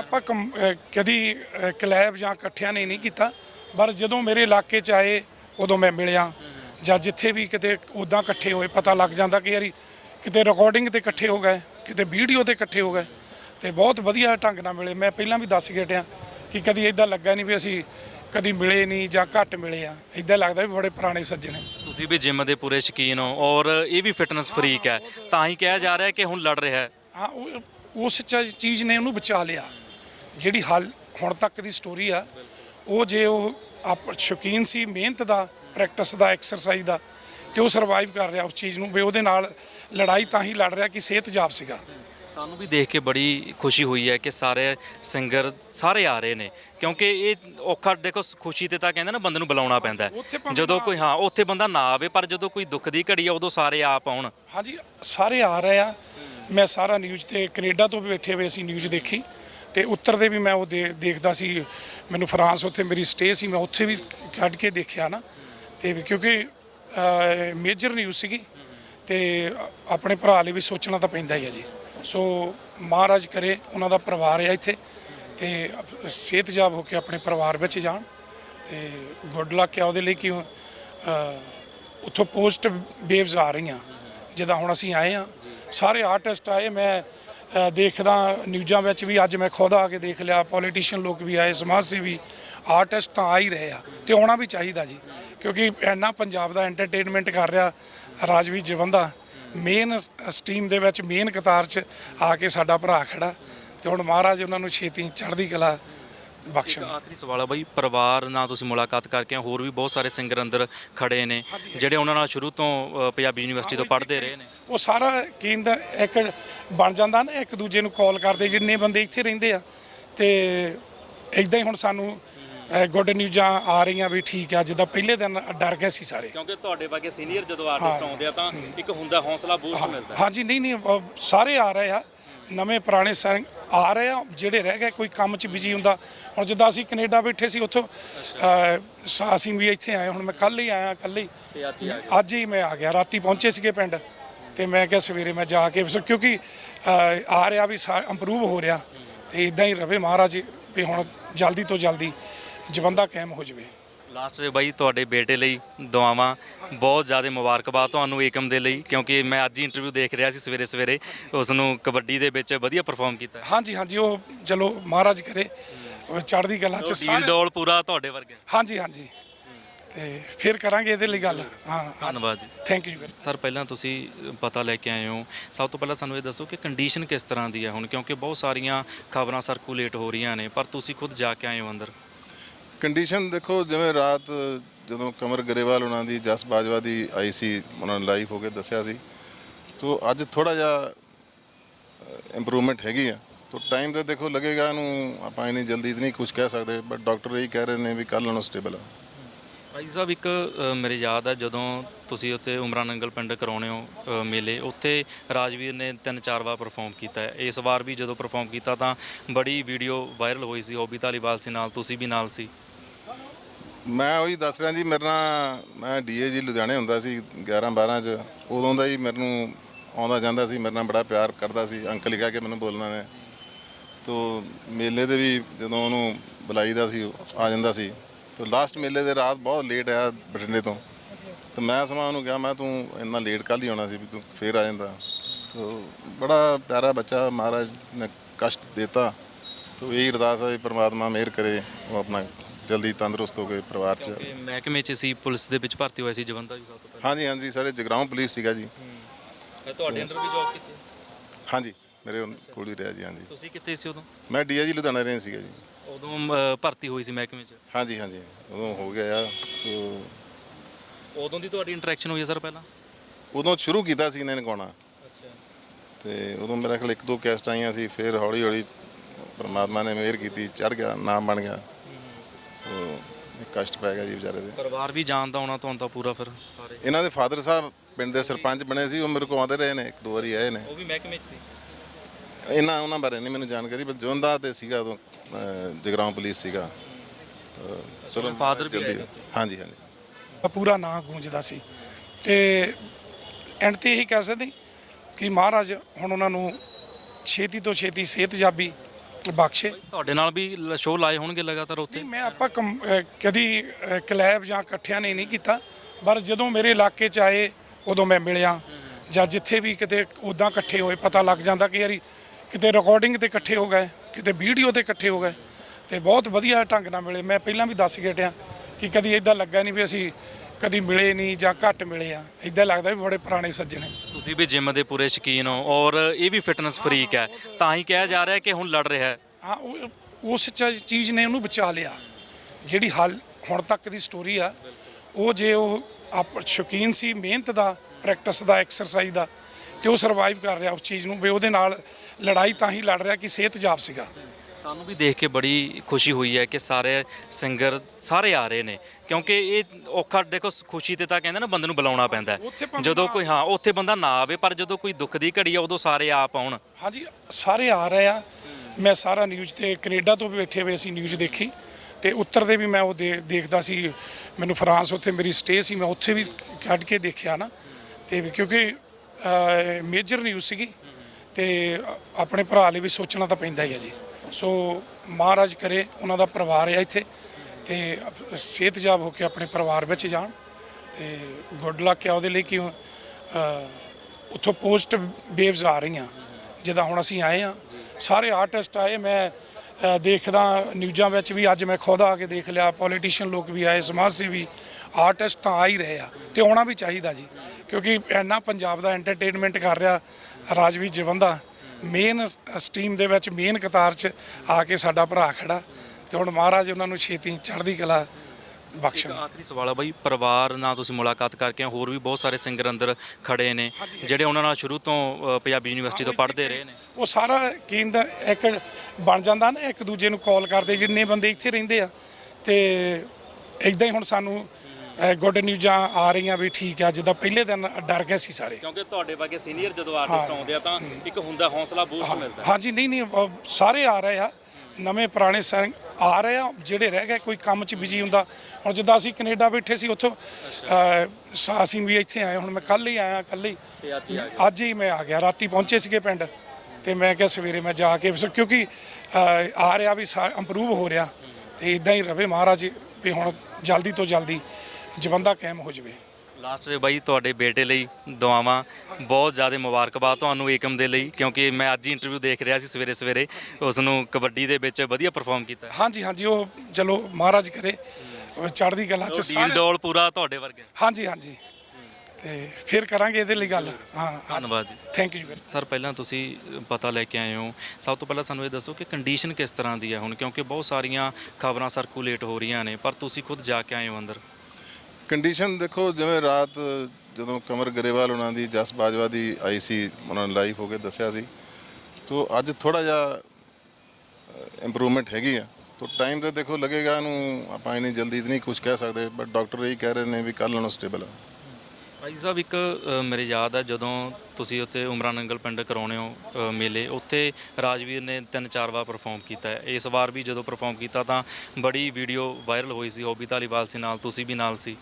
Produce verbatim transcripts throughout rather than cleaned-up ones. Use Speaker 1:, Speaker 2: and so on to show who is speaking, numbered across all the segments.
Speaker 1: ਆਪਾਂ ਕਦੀ ਕਲੈਬ ਜਾਂ ਇਕੱਠਿਆਂ ਨੇ ਨਹੀਂ ਕੀਤਾ, ਪਰ ਜਦੋਂ ਮੇਰੇ ਇਲਾਕੇ 'ਚ ਆਏ ਉਦੋਂ ਮੈਂ ਮਿਲਿਆ, ਜਾਂ ਜਿੱਥੇ ਵੀ ਕਿਤੇ ਉੱਦਾਂ ਇਕੱਠੇ ਹੋਏ ਪਤਾ ਲੱਗ ਜਾਂਦਾ ਕਿ ਯਾਰੀ ਕਿਤੇ ਰਿਕਾਰਡਿੰਗ 'ਤੇ ਇਕੱਠੇ ਹੋ ਗਏ, ਕਿਤੇ ਵੀਡੀਓ 'ਤੇ ਇਕੱਠੇ ਹੋ ਗਏ, ਅਤੇ ਬਹੁਤ ਵਧੀਆ ਢੰਗ ਨਾਲ ਮਿਲੇ। ਮੈਂ ਪਹਿਲਾਂ ਵੀ ਦੱਸ ਕੇ ਹਟਿਆ ਕਿ ਕਦੀ ਇੱਦਾਂ ਲੱਗਾ ਨਹੀਂ ਵੀ ਅਸੀਂ ਕਦੀ ਮਿਲੇ ਨਹੀਂ ਜਾਂ ਘੱਟ ਮਿਲੇ ਆ, ਇੱਦਾਂ ਲੱਗਦਾ ਵੀ ਬੜੇ ਪੁਰਾਣੇ ਸੱਜਣ ਨੇ।
Speaker 2: ਤੁਸੀਂ ਵੀ ਜਿਮ ਦੇ ਪੂਰੇ ਸ਼ੌਕੀਨ ਹੋ ਔਰ ਇਹ ਵੀ ਫਿਟਨੈਸ ਫਰੀਕ ਹੈ, ਤਾਂ ਹੀ ਕਿਹਾ ਜਾ ਰਿਹਾ ਕਿ ਹੁਣ ਲੜ ਰਿਹਾ ਹੈ।
Speaker 1: ਹਾਂ, ਉਹ ਉਸ ਚੀਜ਼ ਨੇ ਉਹਨੂੰ ਬਚਾ ਲਿਆ, ਜਿਹੜੀ ਹਾਲ ਹੁਣ ਤੱਕ ਦੀ ਸਟੋਰੀ ਆ। ਉਹ ਜੇ ਉਹ ਆਪ ਸ਼ੌਕੀਨ ਸੀ ਮਿਹਨਤ ਦਾ, ਪ੍ਰੈਕਟਿਸ ਦਾ, ਐਕਸਰਸਾਈਜ਼ ਦਾ, ਅਤੇ ਉਹ ਸਰਵਾਈਵ ਕਰ ਰਿਹਾ ਉਸ ਚੀਜ਼ ਨੂੰ ਵੀ ਉਹਦੇ ਨਾਲ ਲੜਾਈ ਤਾਂ ਹੀ ਲੜ ਰਿਹਾ ਕਿ ਸਿਹਤਯਾਬ ਸੀਗਾ।
Speaker 2: ਸਾਨੂੰ ਵੀ ਦੇਖ ਕੇ ਬੜੀ ਖੁਸ਼ੀ ਹੋਈ ਹੈ ਕਿ ਸਾਰੇ ਸਿੰਗਰ ਸਾਰੇ ਆ ਰਹੇ ਨੇ, ਕਿਉਂਕਿ ਇਹ ਔਖਾ ਦੇਖੋ, ਖੁਸ਼ੀ ਤੇ ਤਾਂ ਕਹਿੰਦੇ ਨਾ ਬੰਦੇ ਨੂੰ ਬੁਲਾਉਣਾ ਪੈਂਦਾ, ਜਦੋਂ ਕੋਈ ਹਾਂ ਉੱਥੇ ਬੰਦਾ ਨਾ ਆਵੇ, ਪਰ ਜਦੋਂ ਕੋਈ ਦੁੱਖ ਦੀ ਘੜੀ ਆ ਉਦੋਂ ਸਾਰੇ ਆਪ ਆਉਣ।
Speaker 1: ਹਾਂਜੀ, ਸਾਰੇ ਆ ਰਹੇ ਆ। ਮੈਂ ਸਾਰਾ ਨਿਊਜ਼ ਤੇ ਕੈਨੇਡਾ ਤੋਂ ਵੀ ਬੈਠੇ ਹੋਏ ਅਸੀਂ ਨਿਊਜ਼ ਦੇਖੀ, ਅਤੇ ਉੱਤਰ ਦੇ ਵੀ ਮੈਂ ਉਹ ਦੇ ਦੇਖਦਾ ਸੀ। ਮੈਨੂੰ ਫਰਾਂਸ ਉੱਥੇ ਮੇਰੀ ਸਟੇ ਸੀ, ਮੈਂ ਉੱਥੇ ਵੀ ਕੱਢ ਕੇ ਦੇਖਿਆ ਨਾ, ਅਤੇ ਕਿਉਂਕਿ ਮੇਜਰ ਨਿਊਜ਼ ਸੀਗੀ, ਅਤੇ ਆਪਣੇ ਭਰਾ ਲਈ ਵੀ ਸੋਚਣਾ ਤਾਂ ਪੈਂਦਾ ਹੀ ਹੈ ਜੀ। ਸੋ ਮਹਾਰਾਜ ਕਰੇ ਉਹਨਾਂ ਦਾ ਪਰਿਵਾਰ ਆ ਇੱਥੇ, ਅਤੇ ਸਿਹਤਯਾਬ ਹੋ ਕੇ ਆਪਣੇ ਪਰਿਵਾਰ ਵਿੱਚ ਜਾਣ, ਅਤੇ ਗੁੱਡ ਲੱਕ ਆ ਉਹਦੇ ਲਈ ਕਿ ਉੱਥੋਂ ਪੋਸਟ ਵੇਵਜ਼ ਆ ਰਹੀਆਂ ਜਿੱਦਾਂ ਹੁਣ ਅਸੀਂ ਆਏ ਹਾਂ। ਸਾਰੇ ਆਰਟਿਸਟ ਆਏ, ਮੈਂ ਦੇਖਦਾ ਨਿਊਜ਼ਾਂ ਵਿੱਚ ਵੀ, ਅੱਜ ਮੈਂ ਖੁਦ ਆ ਕੇ ਦੇਖ ਲਿਆ, ਪੋਲੀਟੀਸ਼ੀਅਨ ਲੋਕ ਵੀ ਆਏ, ਸਮਾਜ ਸੇਵੀ, ਆਰਟਿਸਟ ਤਾਂ ਆ ਹੀ ਰਹੇ ਆ, ਅਤੇ ਆਉਣਾ ਵੀ ਚਾਹੀਦਾ ਜੀ, ਕਿਉਂਕਿ ਇੰਨਾ ਪੰਜਾਬ ਦਾ ਐਂਟਰਟੇਨਮੈਂਟ ਕਰ ਰਿਹਾ ਰਾਜਵੀਰ ਜਵੰਦਾ, ਮੇਨ ਸਟਰੀਮ ਦੇ ਵਿੱਚ ਮੇਨ ਕਤਾਰ 'ਚ ਆ ਕੇ ਸਾਡਾ ਭਰਾ ਖੜਾ, ਅਤੇ ਹੁਣ ਮਹਾਰਾਜ ਉਹਨਾਂ ਨੂੰ ਛੇਤੀ ਚੜ੍ਹਦੀ ਕਲਾ ਬਖਸ਼ਣ।
Speaker 2: ਆਖਰੀ ਸਵਾਲ ਆ ਬਾਈ, ਪਰਿਵਾਰ ਨਾਲ ਤੁਸੀਂ ਮੁਲਾਕਾਤ ਕਰਕੇ ਹੋਰ ਵੀ ਬਹੁਤ ਸਾਰੇ ਸਿੰਗਰ ਅੰਦਰ ਖੜੇ ਨੇ ਜਿਹੜੇ ਉਹਨਾਂ ਨਾਲ ਸ਼ੁਰੂ ਤੋਂ ਪੰਜਾਬੀ ਯੂਨੀਵਰਸਿਟੀ ਤੋਂ ਪੜ੍ਹਦੇ ਰਹੇ ਨੇ, ਉਹ
Speaker 1: ਸਾਰਾ ਕੇਂਦਰ ਇੱਕ ਬਣ ਜਾਂਦਾ ਨਾ, ਇੱਕ ਦੂਜੇ ਨੂੰ ਕਾਲ ਕਰਦੇ ਜਿੰਨੇ ਬੰਦੇ ਇੱਥੇ ਰਹਿੰਦੇ ਆ, ਅਤੇ ਇੱਦਾਂ ਹੀ ਹੁਣ ਸਾਨੂੰ ਗੁੱਡ ਨਿਊਜ਼ਾਂ ਆ ਰਹੀਆਂ ਵੀ ਠੀਕ ਆ, ਜਿੱਦਾਂ ਪਹਿਲੇ ਦਿਨ ਡਰ ਗਏ ਸੀ ਸਾਰੇ,
Speaker 2: ਕਿਉਂਕਿ ਤੁਹਾਡੇ ਵਰਗੇ ਸੀਨੀਅਰ ਜਦੋਂ ਆਰਟਿਸਟ ਆਉਂਦੇ ਆ ਤਾਂ ਇੱਕ ਹੁੰਦਾ ਹੌਸਲਾ ਬੂਸਟ ਮਿਲਦਾ।
Speaker 1: ਹਾਂਜੀ, ਨਹੀਂ ਨਹੀਂ ਸਾਰੇ ਆ ਰਹੇ ਆ, ਨਵੇਂ ਪੁਰਾਣੇ ਸਾਰੇ ਆ ਰਹੇ ਆ, ਜਿਹੜੇ ਰਹਿ ਗਏ ਕੋਈ ਕੰਮ 'ਚ ਬਿਜੀ ਹੁੰਦਾ। ਹੁਣ ਜਿੱਦਾਂ ਅਸੀਂ ਕੈਨੇਡਾ ਬੈਠੇ ਸੀ, ਉੱਥੋਂ ਅਸੀਂ ਵੀ ਇੱਥੇ ਆਏ, ਹੁਣ ਮੈਂ ਕੱਲ੍ਹ ਹੀ ਆਇਆ, ਕੱਲ੍ਹ ਹੀ ਅੱਜ ਹੀ ਮੈਂ ਆ ਗਿਆ, ਰਾਤੀ ਪਹੁੰਚੇ ਸੀਗੇ ਪਿੰਡ, ਅਤੇ ਮੈਂ ਕਿਹਾ ਸਵੇਰੇ ਮੈਂ ਜਾ ਕੇ, ਕਿਉਂਕਿ ਆ ਰਿਹਾ ਵੀ ਸਾ ਇੰਪਰੂਵ ਹੋ ਰਿਹਾ, ਅਤੇ ਇੱਦਾਂ ਹੀ ਰਵੇ ਮਹਾਰਾਜ ਵੀ ਹੁਣ ਜਲਦੀ ਤੋਂ ਜਲਦੀ ਜਵੰਦਾ ਕਾਇਮ ਹੋ ਜਾਵੇ।
Speaker 2: ਲਾਸਟ 'ਚ ਬਾਈ ਤੁਹਾਡੇ ਬੇਟੇ ਲਈ ਦੁਆਵਾਂ, ਬਹੁਤ ਜ਼ਿਆਦਾ ਮੁਬਾਰਕਬਾਦ ਤੁਹਾਨੂੰ ਏਕਮ ਦੇ ਲਈ, ਕਿਉਂਕਿ ਮੈਂ ਅੱਜ ਹੀ ਇੰਟਰਵਿਊ ਦੇਖ ਰਿਹਾ ਸੀ ਸਵੇਰੇ ਸਵੇਰੇ, ਉਸ ਨੂੰ ਕਬੱਡੀ ਦੇ ਵਿੱਚ ਵਧੀਆ ਪਰਫਾਰਮ ਕੀਤਾ।
Speaker 1: ਹਾਂਜੀ ਹਾਂਜੀ, ਉਹ ਚਲੋ ਮਹਾਰਾਜ ਕਰੇ ਚੜ੍ਹਦੀ ਕਲਾ 'ਚ
Speaker 2: ਡੀਲ ਡੋਲ ਪੂਰਾ ਤੁਹਾਡੇ ਵਰਗੇ।
Speaker 1: ਹਾਂਜੀ ਹਾਂਜੀ, ਅਤੇ ਫਿਰ ਕਰਾਂਗੇ ਇਹਦੇ ਲਈ ਗੱਲ। ਹਾਂ,
Speaker 2: ਧੰਨਵਾਦ ਜੀ,
Speaker 1: ਥੈਂਕ ਯੂ
Speaker 2: ਸਰ। ਪਹਿਲਾਂ ਤੁਸੀਂ ਪਤਾ ਲੈ ਕੇ ਆਏ ਹੋ, ਸਭ ਤੋਂ ਪਹਿਲਾਂ ਸਾਨੂੰ ਇਹ ਦੱਸੋ ਕਿ ਕੰਡੀਸ਼ਨ ਕਿਸ ਤਰ੍ਹਾਂ ਦੀ ਹੈ ਹੁਣ, ਕਿਉਂਕਿ ਬਹੁਤ ਸਾਰੀਆਂ ਖਬਰਾਂ ਸਰਕੂਲੇਟ ਹੋ ਰਹੀਆਂ ਨੇ, ਪਰ ਤੁਸੀਂ ਖੁਦ ਜਾ ਕੇ ਆਏ ਹੋ ਅੰਦਰ।
Speaker 3: ਕੰਡੀਸ਼ਨ ਦੇਖੋ, ਜਿਵੇਂ ਰਾਤ ਜਦੋਂ ਕਮਰ ਗਰੇਵਾਲ ਉਹਨਾਂ ਦੀ, ਜਸ ਬਾਜਵਾ ਦੀ ਆਈ ਸੀ, ਉਹਨਾਂ ਨੇ ਲਾਈਵ ਹੋ ਕੇ ਦੱਸਿਆ ਸੀ, ਤੋ ਅੱਜ ਥੋੜ੍ਹਾ ਜਿਹਾ ਇੰਪਰੂਵਮੈਂਟ ਹੈਗੀ ਆ। ਤੋ ਟਾਈਮ ਤਾਂ ਦੇਖੋ ਲੱਗੇਗਾ, ਇਹਨੂੰ ਆਪਾਂ ਇੰਨੀ ਜਲਦੀ ਤਾਂ ਨਹੀਂ ਕੁਝ ਕਹਿ ਸਕਦੇ, ਬਟ ਡਾਕਟਰ ਇਹੀ ਕਹਿ ਰਹੇ ਨੇ ਵੀ ਕੱਲ੍ਹ ਨਾਲੋਂ ਸਟੇਬਲ ਆ।
Speaker 2: ਭਾਈ ਸਾਹਿਬ, ਇੱਕ ਮੇਰੇ ਯਾਦ ਹੈ ਜਦੋਂ ਤੁਸੀਂ ਉੱਥੇ ਉਮਰਾ ਨੰਗਲ ਪਿੰਡ ਕਰਾਉਣੇ ਹੋ ਮੇਲੇ, ਉੱਥੇ ਰਾਜਵੀਰ ਨੇ ਤਿੰਨ ਚਾਰ ਵਾਰ ਪਰਫਾਰਮ ਕੀਤਾ ਹੈ। ਇਸ ਵਾਰ ਵੀ ਜਦੋਂ ਪਰਫਾਰਮ ਕੀਤਾ ਤਾਂ ਬੜੀ ਵੀਡੀਓ ਵਾਇਰਲ ਹੋਈ ਸੀ, ਓਬੀ ਧਾਲੀਵਾਲ ਸੀ ਨਾਲ, ਤੁਸੀਂ ਵੀ ਨਾਲ ਸੀ।
Speaker 3: ਮੈਂ ਉਹੀ ਦੱਸ ਰਿਹਾ ਜੀ, ਮੇਰੇ ਨਾਲ ਮੈਂ ਡੀ ਏ ਜੀ ਲੁਧਿਆਣੇ ਹੁੰਦਾ ਸੀ ਗਿਆਰਾਂ ਬਾਰਾਂ 'ਚ, ਉਦੋਂ ਦਾ ਹੀ ਮੈਨੂੰ ਆਉਂਦਾ ਜਾਂਦਾ ਸੀ, ਮੇਰੇ ਨਾਲ ਬੜਾ ਪਿਆਰ ਕਰਦਾ ਸੀ, ਅੰਕਲ ਹੀ ਕਹਿ ਕੇ ਮੈਨੂੰ ਬੋਲਣਾ ਨੇ। ਤੋ ਮੇਲੇ 'ਤੇ ਵੀ ਜਦੋਂ ਉਹਨੂੰ ਬੁਲਾਈਦਾ ਸੀ ਆ ਜਾਂਦਾ ਸੀ। ਤੋ ਲਾਸਟ ਮੇਲੇ ਦੇ ਰਾਤ ਬਹੁਤ ਲੇਟ ਆਇਆ ਬਠਿੰਡੇ ਤੋਂ, ਤਾਂ ਮੈਂ ਸਮਾਂ ਉਹਨੂੰ ਕਿਹਾ, ਮੈਂ ਤੂੰ ਇੰਨਾ ਲੇਟ ਕੱਲ੍ਹ ਹੀ ਆਉਣਾ ਸੀ ਵੀ ਤੂੰ ਫੇਰ ਆ ਜਾਂਦਾ। ਤੋ ਬੜਾ ਪਿਆਰਾ ਬੱਚਾ, ਮਹਾਰਾਜ ਨੇ ਕਸ਼ਟ ਦਿੱਤਾ, ਤੋ ਇਹੀ ਅਰਦਾਸ ਹੈ ਪਰਮਾਤਮਾ ਮਿਹਰ ਕਰੇ, ਉਹ ਆਪਣਾ ਜਲਦੀ ਤੰਦਰੁਸਤ ਹੋ ਕੇ ਪਰਿਵਾਰ 'ਚ।
Speaker 2: ਮਹਿਕਮੇ 'ਚ ਸੀ, ਪੁਲਿਸ ਦੇ ਵਿੱਚ ਭਰਤੀ ਹੋਇਆ ਸੀ ਜਵੰਦਾ ਜੀ ਸਭ ਤੋਂ ਪਹਿਲਾਂ।
Speaker 3: ਹਾਂਜੀ ਹਾਂਜੀ, ਸਾਡੇ ਜਗਰਾਉਂ ਪੁਲਿਸ ਸੀਗਾ ਜੀ।
Speaker 2: ਤੁਹਾਡੇ ਅੰਦਰ ਵੀ ਜੌਬ ਕੀਤੀ?
Speaker 3: ਹਾਂਜੀ, ਮੇਰੇ ਕੋਲ ਹੀ ਰਿਹਾ ਜੀ। ਹਾਂਜੀ,
Speaker 2: ਤੁਸੀਂ ਕਿੱਥੇ ਸੀ ਉਦੋਂ?
Speaker 3: ਮੈਂ ਡੀ ਆਈ ਜੀ ਲੁਧਿਆਣਾ ਰਹੇ ਸੀਗਾ ਜੀ।
Speaker 2: ਉਦੋਂ ਭਰਤੀ ਹੋਈ ਸੀ ਮਹਿਕਮੇ 'ਚ?
Speaker 3: ਹਾਂਜੀ ਹਾਂਜੀ, ਉਦੋਂ ਹੋ ਗਿਆ ਆ। ਤੋ
Speaker 2: ਉਦੋਂ ਦੀ ਤੁਹਾਡੀ ਇੰਟਰੈਕਸ਼ਨ ਹੋਈ ਹੈ ਸਰ ਪਹਿਲਾਂ?
Speaker 3: ਉਦੋਂ ਸ਼ੁਰੂ ਕੀਤਾ ਸੀ ਇਹਨਾਂ ਨੇ ਗਾਉਣਾ।
Speaker 2: ਅੱਛਾ।
Speaker 3: ਅਤੇ ਉਦੋਂ ਮੇਰਾ ਖਿਆਲ ਇੱਕ ਦੋ ਕੈਸਟ ਆਈਆਂ ਸੀ, ਫਿਰ ਹੌਲੀ ਹੌਲੀ ਪਰਮਾਤਮਾ ਨੇ ਮਿਹਰ ਕੀਤੀ, ਚੜ੍ਹ ਗਿਆ, ਨਾਮ ਬਣ ਗਿਆ। ਸੋ ਕਸ਼ਟ ਪੈ ਗਿਆ ਜੀ ਵਿਚਾਰੇ ਦੇ।
Speaker 2: ਪਰਿਵਾਰ ਵੀ ਜਾਣਦਾ ਹੋਣਾ ਤੁਹਾਨੂੰ ਤਾਂ ਪੂਰਾ ਫਿਰ ਸਾਰੇ?
Speaker 3: ਇਹਨਾਂ ਦੇ ਫਾਦਰ ਸਾਹਿਬ ਪਿੰਡ ਦੇ ਸਰਪੰਚ ਬਣੇ ਸੀ, ਉਹ ਮੇਰੇ ਕੋਲ ਆਉਂਦੇ ਰਹੇ ਨੇ, ਇੱਕ ਦੋ ਵਾਰੀ ਆਏ ਨੇ।
Speaker 2: ਉਹ ਵੀ ਮਹਿਕਮੇ 'ਚ ਸੀ?
Speaker 3: ਇਹਨਾਂ ਉਹਨਾਂ ਬਾਰੇ ਨਹੀਂ ਮੈਨੂੰ ਜਾਣਕਾਰੀ, ਪਰ ਜਵੰਦਾ ਤੇ ਸੀਗਾ ਉਦੋਂ, ਜਗਰਾਉਂ ਪੁਲਿਸ ਸੀਗਾ। ਚਲੋ
Speaker 2: ਫਾਦਰ ਵੀ?
Speaker 3: ਹਾਂਜੀ ਹਾਂਜੀ,
Speaker 1: ਪੂਰਾ ਨਾਂ ਗੂੰਜਦਾ ਸੀ, ਅਤੇ ਐਂਡ 'ਤੇ ਇਹੀ ਕਹਿ ਸਕਦੇ ਕਿ ਮਹਾਰਾਜ ਹੁਣ ਉਹਨਾਂ ਨੂੰ ਛੇਤੀ ਤੋਂ ਛੇਤੀ ਸਿਹਤਯਾਬੀ ਬਖਸ਼ੇ।
Speaker 2: ਤੁਹਾਡੇ ਨਾਲ ਵੀ ਸ਼ੋਅ ਲਾਏ ਹੋਣਗੇ ਲਗਾਤਾਰ ਉੱਥੇ?
Speaker 1: ਨਹੀਂ, ਮੈਂ ਆਪਾਂ ਕਮ- ਅਹ ਕਦੀ ਅਹ ਕਲੈਬ ਜਾਂ ਇਕੱਠਿਆਂ ਨੇ ਨਹੀਂ ਕੀਤਾ, ਪਰ ਜਦੋਂ ਮੇਰੇ ਇਲਾਕੇ 'ਚ ਆਏ ਉਦੋਂ ਮੈਂ ਮਿਲਿਆ, ਜਾਂ ਜਿੱਥੇ ਵੀ ਕਿਤੇ ਉੱਦਾਂ ਇਕੱਠੇ ਹੋਏ ਪਤਾ ਲੱਗ ਜਾਂਦਾ ਕਿ ਯਾਰੀ ਕਿਤੇ ਰਿਕਾਰਡਿੰਗ ਤੇ ਇਕੱਠੇ ਹੋ ਗਏ, ਕਿਤੇ ਵੀਡੀਓ ਤੇ ਇਕੱਠੇ ਹੋ ਗਏ, ਤੇ ਬਹੁਤ ਵਧੀਆ ਢੰਗ ਨਾਲ ਮਿਲੇ। ਮੈਂ ਪਹਿਲਾਂ ਵੀ ਦੱਸ ਕੇ ਹਟਿਆ ਕਿ ਕਦੀ ਇਦਾਂ ਲੱਗਾ ਨਹੀਂ ਵੀ ਅਸੀਂ ਕਦੀ ਮਿਲੇ ਨਹੀਂ ਜਾਂ ਘੱਟ ਮਿਲੇ ਆ, ਇਦਾਂ ਲੱਗਦਾ ਵੀ ਬੜੇ ਪੁਰਾਣੇ ਸੱਜਣ ਨੇ।
Speaker 2: ਤੁਸੀਂ ਵੀ ਜਿਮ ਦੇ ਪੂਰੇ ਸ਼ੌਕੀਨ ਹੋ ਔਰ ਇਹ ਵੀ ਫਿਟਨੈਸ ਫਰੀਕ ਹੈ, ਤਾਂ ਹੀ ਕਿਹਾ ਜਾ ਰਿਹਾ ਕਿ ਹੁਣ ਲੜ ਰਿਹਾ ਹੈ।
Speaker 1: ਹਾਂ, ਉਹ ਉਸ ਚ- ਚੀਜ਼ ਨੇ ਉਹਨੂੰ ਬਚਾ ਲਿਆ। ਜਿਹੜੀ ਹਾਲ ਹੁਣ ਤੱਕ ਦੀ ਸਟੋਰੀ ਆ, ਉਹ ਜੇ ਉਹ ਆਪ ਸ਼ੌਕੀਨ ਸੀ ਮਿਹਨਤ ਦਾ, ਪ੍ਰੈਕਟਿਸ ਦਾ, ਐਕਸਰਸਾਈਜ਼ ਦਾ, ਤੇ ਉਹ ਸਰਵਾਈਵ ਕਰ ਰਿਹਾ ਉਸ ਚੀਜ਼ ਨੂੰ ਵੀ ਉਹਦੇ ਨਾਲ ਲੜਾਈ ਤਾਂ ਹੀ ਲੜ ਰਿਹਾ ਕਿ ਸਿਹਤਯਾਬ ਸੀਗਾ।
Speaker 2: ਸਾਨੂੰ ਵੀ ਦੇਖ ਕੇ ਬੜੀ ਖੁਸ਼ੀ ਹੋਈ ਹੈ ਕਿ ਸਾਰੇ ਸਿੰਗਰ ਸਾਰੇ ਆ ਰਹੇ ਨੇ, ਕਿਉਂਕਿ ਇਹ ਔਖਾ ਦੇਖੋ, ਖੁਸ਼ੀ ਤੇ ਤਾਂ ਕਹਿੰਦੇ ਨਾ ਬੰਦੇ ਨੂੰ ਬੁਲਾਉਣਾ ਪੈਂਦਾ ਹੈ।
Speaker 1: ਉੱਥੇ ਬੰਦਾ
Speaker 2: ਜਦੋਂ ਕੋਈ ਹਾਂ ਉੱਥੇ ਬੰਦਾ ਨਾ ਆਵੇ, ਪਰ ਜਦੋਂ ਕੋਈ ਦੁੱਖ ਦੀ ਘੜੀ ਆ ਉਦੋਂ ਸਾਰੇ ਆਪ ਆਉਣ।
Speaker 1: ਹਾਂਜੀ, ਸਾਰੇ ਆ ਰਹੇ ਆ। ਮੈਂ ਸਾਰਾ ਨਿਊਜ਼ ਤੇ ਕੈਨੇਡਾ ਤੋਂ ਵੀ ਇੱਥੇ ਹੋਏ ਅਸੀਂ ਨਿਊਜ਼ ਦੇਖੀ, ਤੇ ਉੱਤਰ ਦੇ ਵੀ ਮੈਂ ਉਹ ਦੇ- ਦੇਖਦਾ ਸੀ। ਮੈਨੂੰ ਫਰਾਂਸ ਉੱਥੇ ਮੇਰੀ ਸਟੇ ਸੀ, ਮੈਂ ਉੱਥੇ ਵੀ ਕੱਢ ਕੇ ਦੇਖਿਆ ਨਾ, ਤੇ ਵੀ ਕਿਉਂਕਿ ਮੇਜਰ ਨਿਊਜ਼ ਸੀਗੀ, ਤੇ ਆਪਣੇ ਭਰਾ ਲਈ ਵੀ ਸੋਚਣਾ ਤਾਂ ਪੈਂਦਾ ਹੀ ਹੈ ਜੀ। ਸੋ ਮਹਾਰਾਜ ਕਰੇ ਉਹਨਾਂ ਦਾ ਪਰਿਵਾਰ ਹੈ ਇੱਥੇ, ਤੇ ਸਿਹਤਯਾਬ ਹੋ ਕੇ ਆਪਣੇ ਪਰਿਵਾਰ ਵਿੱਚ ਜਾਣ, ਤੇ ਗੁੱਡ ਲੱਕ ਹੈ ਉਹਦੇ ਲਈ ਕਿ ਉੱਥੋਂ ਪੋਸਟ ਵੇਵਸ ਆ ਰਹੀਆਂ ਜਿੱਦਾਂ ਹੁਣ ਅਸੀਂ ਆਏ ਆ, ਸਾਰੇ ਆਰਟਿਸਟ ਆਏ। ਮੈਂ ਅ, ਦੇਖਦਾ ਨਿਊਜ਼ਾਂ ਵਿੱਚ ਵੀ, ਅੱਜ ਮੈਂ ਖੁਦ ਆ ਕੇ ਦੇਖ ਲਿਆ, ਪੋਲੀਟੀਸ਼ੀਅਨ ਲੋਕ ਵੀ ਆਏ, ਸਮਾਜ ਸੇਵੀ, ਆਰਟਿਸਟ ਤਾਂ ਆ ਹੀ ਰਹੇ ਆ, ਤੇ ਆਉਣਾ ਵੀ ਚਾਹੀਦਾ ਜੀ, ਕਿਉਂਕਿ ਇੰਨਾ ਪੰਜਾਬ ਦਾ ਐਂਟਰਟੇਨਮੈਂਟ ਕਰ ਰਿਹਾ ਰਾਜਵੀਰ ਜਵੰਦਾ, ਮੇਨ ਸਟਰੀਮ ਦੇ ਵਿੱਚ ਮੇਨ ਕਤਾਰ 'ਚ ਆ ਕੇ ਸਾਡਾ ਭਰਾ ਖੜਾ, ਤੇ ਹੁਣ ਮਹਾਰਾਜ ਉਹਨਾਂ ਨੂੰ ਛੇਤੀ ਚੜ੍ਹਦੀ ਕਲਾ ਬਖਸ਼ਣ।
Speaker 2: ਆਖਰੀ ਸਵਾਲ ਆ ਬਾਈ, ਪਰਿਵਾਰ ਨਾਲ ਤੁਸੀਂ ਮੁਲਾਕਾਤ ਕਰਕੇ ਆਏ, ਹੋਰ ਵੀ ਬਹੁਤ ਸਾਰੇ ਸਿੰਗਰ ਅੰਦਰ ਖੜੇ ਨੇ ਜਿਹੜੇ ਉਹਨਾਂ ਨਾਲ ਸ਼ੁਰੂ ਤੋਂ ਅ, ਪੰਜਾਬੀ ਯੂਨੀਵਰਸਿਟੀ ਤੋਂ ਪੜ੍ਹਦੇ ਰਹੇ ਨੇ। ਉਹ
Speaker 1: ਉਹ ਸਾਰਾ ਕੇਂਦਰ ਇੱਕ ਬਣ ਜਾਂਦਾ ਨਾ, ਇੱਕ ਦੂਜੇ ਨੂੰ ਕਾਲ ਕਰਦੇ ਜਿੰਨੇ ਬੰਦੇ ਇੱਥੇ ਰਹਿੰਦੇ ਆ, ਤੇ ਇਦਾਂ ਹੀ ਹੁਣ ਸਾਨੂੰ ਗੁੱਡ ਨਿਊਜ਼ਾਂ ਆ ਰਹੀਆਂ ਵੀ ਠੀਕ ਆ, ਜਿੱਦਾਂ ਪਹਿਲੇ ਦਿਨ ਡਰ ਗਏ ਸੀ ਸਾਰੇ,
Speaker 2: ਕਿਉਂਕਿ ਤੁਹਾਡੇ ਵਰਗੇ ਸੀਨੀਅਰ ਜਦੋਂ ਆਰਟਿਸਟ ਆਉਂਦੇ ਆ ਤਾਂ ਇੱਕ ਹੁੰਦਾ ਹੌਸਲਾ ਬੂਸਟ ਮਿਲਦਾ।
Speaker 1: ਹਾਂਜੀ, ਨਹੀਂ ਨਹੀਂ ਅਹ ਸਾਰੇ ਆ ਰਹੇ ਆ, ਨਵੇਂ ਪੁਰਾਣੇ ਸੰਗ ਆ ਰਹੇ ਆ, ਜਿਹੜੇ ਰਹਿ ਗਏ ਕੋਈ ਕੰਮ 'ਚ ਬਿਜੀ ਹੁੰਦਾ। ਹੁਣ ਜਿੱਦਾਂ ਅਸੀਂ ਕੈਨੇਡਾ ਬੈਠੇ ਸੀ, ਉੱਥੋਂ ਅਹ, ਸ- ਅਸੀਂ ਵੀ ਇੱਥੇ ਆਏ, ਹੁਣ ਮੈਂ ਕੱਲ ਹੀ ਆਇਆ, ਕੱਲ ਹੀ ਅੱਜ ਹੀ ਮੈਂ ਆ ਗਿਆ, ਰਾਤੀ ਪਹੁੰਚੇ ਸੀਗੇ ਪਿੰਡ, ਤੇ ਮੈਂ ਕਿਹਾ ਸਵੇਰੇ ਮੈਂ ਜਾ ਕੇ, ਕਿਉਂਕਿ ਅਹ, ਆ ਰਿਹਾ ਵੀ ਇੰਪਰੂਵ ਹੋ ਰਿਹਾ, ਤੇ ਇਦਾਂ ਹੀ ਰਵੇ ਮਹਾਰਾਜ ਵੀ ਹੁਣ ਜਲਦੀ ਤੋਂ ਜਲਦੀ ਜਵੰਦਾ ਕਾਇਮ ਹੋ ਜਾਵੇ।
Speaker 2: ਲਾਸਟ 'ਚ ਬਾਈ ਤੁਹਾਡੇ ਬੇਟੇ ਲਈ ਦੁਆਵਾਂ, ਬਹੁਤ ਜ਼ਿਆਦਾ ਮੁਬਾਰਕਬਾਦ ਤੁਹਾਨੂੰ ਏਕਮ ਦੇ ਲਈ, ਕਿਉਂਕਿ ਮੈਂ ਅੱਜ ਹੀ ਇੰਟਰਵਿਊ ਦੇਖ ਰਿਹਾ ਸੀ ਸਵੇਰੇ ਸਵੇਰੇ, ਉਸ ਨੂੰ ਕਬੱਡੀ ਦੇ ਵਿੱਚ ਵਧੀਆ ਪਰਫਾਰਮ ਕੀਤਾ।
Speaker 1: ਹਾਂਜੀ ਹਾਂਜੀ, ਉਹ ਚਲੋ ਮਹਾਰਾਜ ਕਰੇ ਚੜ੍ਹਦੀ ਕਲਾ 'ਚ
Speaker 2: ਡੀਲ ਡੋਲ ਪੂਰਾ ਤੁਹਾਡੇ ਵਰਗੇ।
Speaker 1: ਹਾਂਜੀ ਹਾਂਜੀ, ਤੇ ਫਿਰ ਕਰਾਂਗੇ ਇਹਦੇ ਲਈ ਗੱਲ। ਹਾਂ,
Speaker 2: ਧੰਨਵਾਦ ਜੀ।
Speaker 1: Thank you very.
Speaker 2: ਸਰ, ਪਹਿਲਾਂ ਤੁਸੀਂ ਪਤਾ ਲੈ ਕੇ ਆਏ ਹੋ, ਸਭ ਤੋਂ ਪਹਿਲਾਂ ਸਾਨੂੰ ਇਹ ਦੱਸੋ ਕਿ ਕੰਡੀਸ਼ਨ ਕਿਸ ਤਰ੍ਹਾਂ ਦੀ ਹੈ ਹੁਣ, ਕਿਉਂਕਿ ਬਹੁਤ ਸਾਰੀਆਂ ਖਬਰਾਂ ਸਰਕੂਲੇਟ ਹੋ ਰਹੀਆਂ ਨੇ, ਪਰ ਤੁਸੀਂ ਖੁਦ ਜਾ ਕੇ ਆਏ ਹੋ ਅੰਦਰ।
Speaker 3: ਕੰਡੀਸ਼ਨ ਦੇਖੋ, ਜਿਵੇਂ ਰਾਤ ਜਦੋਂ ਕਮਰ ਗਰੇਵਾਲ ਉਹਨਾਂ ਦੀ, ਜਸ ਬਾਜਵਾ ਦੀ ਆਈ ਸੀ, ਉਹਨਾਂ ਨੇ ਲਾਈਵ ਹੋ ਕੇ ਦੱਸਿਆ ਸੀ, ਤੋ ਅੱਜ ਥੋੜਾ ਜਿਹਾ ਇੰਪਰੂਵਮੈਂਟ ਹੈਗੀ ਆ। ਤੋ ਟਾਈਮ ਤਾਂ ਦੇਖੋ ਲੱਗੇਗਾ ਇਹਨੂੰ, ਆਪਾਂ ਇੰਨੀ ਜਲਦੀ ਤਾਂ ਨਹੀਂ ਕੁਝ ਕਹਿ ਸਕਦੇ, ਬਟ ਡਾਕਟਰ ਇਹੀ ਕਹਿ ਰਹੇ ਨੇ ਵੀ ਕੱਲ੍ਹ ਨਾਲੋਂ ਸਟੇਬਲ ਆ।
Speaker 2: ਭਾਈ ਸਾਹਿਬ, ਇੱਕ ਅ, ਮੇਰੇ ਯਾਦ ਹੈ ਜਦੋਂ ਤੁਸੀਂ ਉੱਥੇ ਉਮਰਾ ਨੰਗਲ ਪਿੰਡ ਕਰਾਉਣੇ ਹੋ ਅ, ਮੇਲੇ, ਉੱਥੇ ਰਾਜਵੀਰ ਨੇ ਤਿੰਨ ਚਾਰ ਵਾਰ ਪਰਫਾਰਮ ਕੀਤਾ ਹੈ। ਇਸ ਵਾਰ ਵੀ ਜਦੋਂ ਪਰਫਾਰਮ ਕੀਤਾ ਤਾਂ ਬੜੀ ਵੀਡੀਓ ਵਾਇਰਲ ਹੋਈ ਸੀ, ਹੋਬੀ ਧਾਲੀਵਾਲ ਸੀ ਨਾਲ, ਤੁਸੀਂ ਵੀ ਨਾਲ ਸੀ।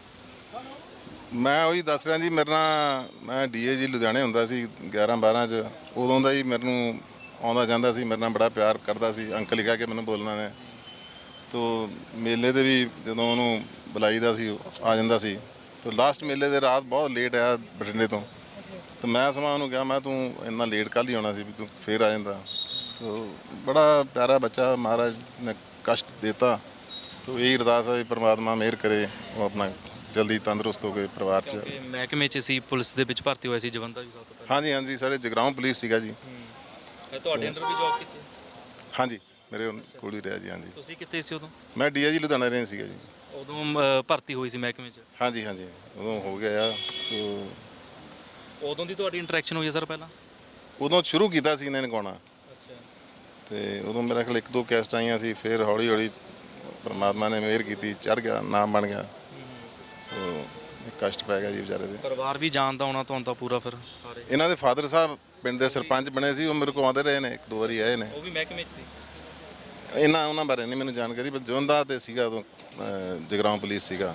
Speaker 3: ਮੈਂ ਉਹੀ ਦੱਸ ਰਿਹਾ ਜੀ, ਮੇਰੇ ਨਾਲ ਮੈਂ ਡੀ ਏ ਜੀ ਲੁਧਿਆਣੇ ਹੁੰਦਾ ਸੀ ਗਿਆਰਾਂ ਬਾਰਾਂ 'ਚ, ਉਦੋਂ ਦਾ ਹੀ ਮੈਨੂੰ ਆਉਂਦਾ ਜਾਂਦਾ ਸੀ, ਮੇਰੇ ਨਾਲ ਬੜਾ ਪਿਆਰ ਕਰਦਾ ਸੀ, ਅੰਕਲ ਹੀ ਕਹਿ ਕੇ ਮੈਨੂੰ ਬੋਲਣਾ ਨੇ। ਤੋ ਮੇਲੇ 'ਤੇ ਵੀ ਜਦੋਂ ਉਹਨੂੰ ਬੁਲਾਈਦਾ ਸੀ ਆ ਜਾਂਦਾ ਸੀ। ਤੋ ਲਾਸਟ ਮੇਲੇ ਦੇ ਰਾਤ ਬਹੁਤ ਲੇਟ ਆਇਆ ਬਠਿੰਡੇ ਤੋਂ, ਤੇ ਮੈਂ ਸਮਾਂ ਉਹਨੂੰ ਕਿਹਾ, ਮੈਂ ਤੂੰ ਇੰਨਾ ਲੇਟ ਕੱਲ੍ਹ ਹੀ ਆਉਣਾ ਸੀ ਵੀ ਤੂੰ ਫੇਰ ਆ ਜਾਂਦਾ। ਤੋ ਬੜਾ ਪਿਆਰਾ ਬੱਚਾ, ਮਹਾਰਾਜ ਨੇ ਕਸ਼ਟ ਦਿੱਤਾ, ਤੋ ਇਹ ਅਰਦਾਸ ਹੈ ਪਰਮਾਤਮਾ ਮਿਹਰ ਕਰੇ, ਉਹ ਆਪਣਾ ਜਲਦੀ ਤੰਦਰੁਸਤ ਹੋ ਕੇ ਪਰਿਵਾਰ 'ਚ।
Speaker 2: ਮਹਿਕਮੇ 'ਚ ਸੀ, ਪੁਲਿਸ ਦੇ ਵਿੱਚ ਭਰਤੀ ਹੋਇਆ ਸੀ ਜਵੰਦਾ ਜੀ ਸਭ ਤੋਂ ਪਹਿਲਾਂ।
Speaker 3: ਹਾਂਜੀ ਹਾਂਜੀ, ਸਾਡੇ ਜਗਰਾਉਂ ਪੁਲਿਸ ਸੀਗਾ ਜੀ।
Speaker 2: ਤੁਹਾਡੇ ਅੰਡਰ ਵੀ ਜੌਬ ਕੀਤੀ?
Speaker 3: ਹਾਂਜੀ, ਮੇਰੇ ਕੋਲ ਹੀ ਰਿਹਾ ਜੀ। ਹਾਂਜੀ,
Speaker 2: ਤੁਸੀਂ ਕਿੱਥੇ ਸੀ ਉਦੋਂ?
Speaker 3: ਮੈਂ ਡੀ ਆਈ ਜੀ ਲੁਧਿਆਣਾ ਰਹੇ ਸੀਗਾ ਜੀ।
Speaker 2: ਉਦੋਂ ਅ, ਭਰਤੀ ਹੋਈ ਸੀ ਮਹਿਕਮੇ 'ਚ?
Speaker 3: ਹਾਂਜੀ ਹਾਂਜੀ, ਉਦੋਂ ਹੋ ਗਿਆ ਆ। ਤੋ
Speaker 2: ਉਦੋਂ ਦੀ ਤੁਹਾਡੀ ਇੰਟਰੈਕਸ਼ਨ ਹੋਈ ਹੈ ਸਰ ਪਹਿਲਾਂ?
Speaker 3: ਉਦੋਂ ਸ਼ੁਰੂ ਕੀਤਾ ਸੀ ਇਹਨਾਂ ਨੇ ਗਾਉਣਾ,
Speaker 2: ਅੱਛਾ।
Speaker 3: ਤੇ ਉਦੋਂ ਮੇਰਾ ਖਿਆਲ ਇੱਕ ਦੋ ਕੈਸਟ ਆਈਆਂ ਸੀ, ਫਿਰ ਹੌਲੀ ਹੌਲੀ ਪਰਮਾਤਮਾ ਨੇ ਮਿਹਰ ਕੀਤੀ, ਚੜ੍ਹ ਗਿਆ, ਨਾਮ ਬਣ ਗਿਆ। ਸੋ ਕਸ਼ਟ ਪੈ ਗਿਆ ਜੀ ਵਿਚਾਰੇ ਦੇ।
Speaker 2: ਪਰਿਵਾਰ ਵੀ ਜਾਣਦਾ ਹੋਣਾ ਤੁਹਾਨੂੰ ਤਾਂ ਪੂਰਾ ਫਿਰ ਸਾਰੇ?
Speaker 3: ਇਹਨਾਂ ਦੇ ਫਾਦਰ ਸਾਹਿਬ ਪਿੰਡ ਦੇ ਸਰਪੰਚ ਬਣੇ ਸੀ, ਉਹ ਮੇਰੇ ਕੋਲ ਆਉਂਦੇ ਰਹੇ ਨੇ, ਇੱਕ ਦੋ ਵਾਰੀ ਆਏ ਨੇ।
Speaker 2: ਉਹ ਵੀ ਮਹਿਕਮੇ 'ਚ ਸੀ?
Speaker 3: ਇਹਨਾਂ ਉਹਨਾਂ ਬਾਰੇ ਨਹੀਂ ਮੈਨੂੰ ਜਾਣਕਾਰੀ, ਪਰ ਜਵੰਦਾ ਤੇ ਸੀਗਾ ਉਦੋਂ, ਅਹ, ਜਗਰਾਉਂ ਪੁਲਿਸ ਸੀਗਾ।